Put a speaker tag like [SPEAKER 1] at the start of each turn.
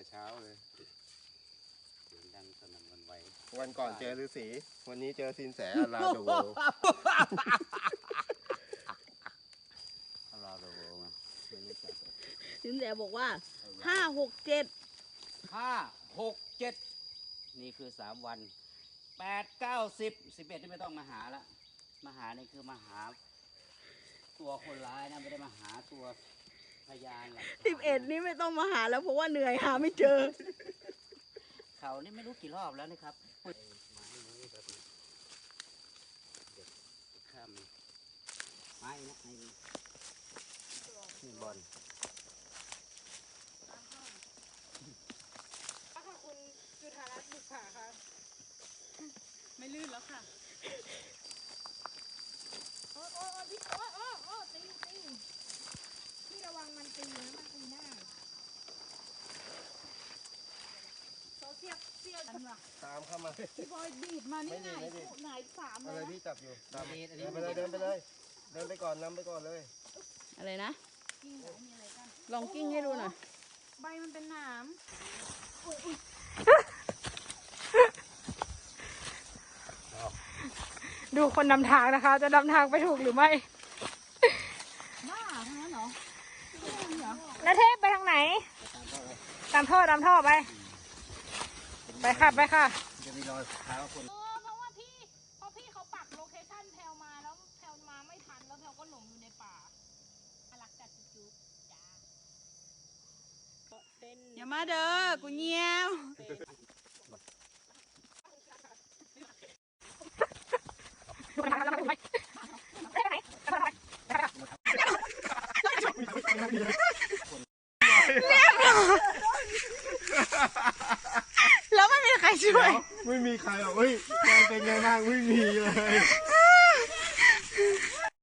[SPEAKER 1] เช้าเลยเสียงดังสนั่นหวั่นไหว
[SPEAKER 2] วันก่อนเจอฤาษีวันนี้เจอสินแสลาโดโว
[SPEAKER 1] ลาโดโวไม่รู้จัก
[SPEAKER 3] สินแสบอกว่า5 6 7
[SPEAKER 1] 5 6 7นี่คือ3 วัน8 9 10 11ที่ไม่ต้องมาหาละมาหานี่คือมาหาตัวคนร้ายนะไม่ได้มาหาตัวพยานหลักฐาน
[SPEAKER 3] 11นี่ไม่ต้องมาหาแล้วเพราะว่าเหนื่อยหาไม่เจอ
[SPEAKER 1] เขานี่ไม่รู้กี่รอบแล้วนะครับไม้มือแบบนี้เด็กข้ามไม้นะไม้นี่บอล
[SPEAKER 4] ค่ะคุณจุธารัตน์บุกค่ะค่ะ ไม่ลื่นแล้วค่ะโอ้พี่ตีพี่ระวังมันตีนะมันตีหน้าเขาเสียบกันว่ะ
[SPEAKER 2] ตามเข้ามา
[SPEAKER 4] พี่บอยดีดมานี่ไงไหน3
[SPEAKER 2] อะไร
[SPEAKER 4] เลย
[SPEAKER 2] พี่จับอยู่ตาม
[SPEAKER 1] อันนี้
[SPEAKER 2] เดินไปเลยเดินไปเลยเดินไปก่อนนำไปก่อนเลย
[SPEAKER 3] อะไรนะ
[SPEAKER 4] กิ้งไหนมีอะไรกัน
[SPEAKER 3] ลองกิ้งให้ดูหน่อย
[SPEAKER 4] ใบมันเป็นหนามดูคนนำทางนะคะ จะนำทางไปถูกหรือไม่
[SPEAKER 3] บ้าทั้งนั้นเหรอ
[SPEAKER 4] นาเทพไปทางไหน ตามท่อไป ไปค่ะ
[SPEAKER 1] จะมีรอยเท้าคน
[SPEAKER 4] เพราะว่าพี่เขาปักโลเคชั่นแพลวมาแล้วแพลวมาไม่ทันแล้วแพลวก็หลงอยู่ในป่าอลักจัดจุ๊บจ้า
[SPEAKER 3] อย่ามาเด้อกูเงี้ยว
[SPEAKER 4] แล้วไม่มีใครช่วย
[SPEAKER 2] ไม่มีใครหรอกเฮ้ยแกเป็นไงบ้างไม่มีเลย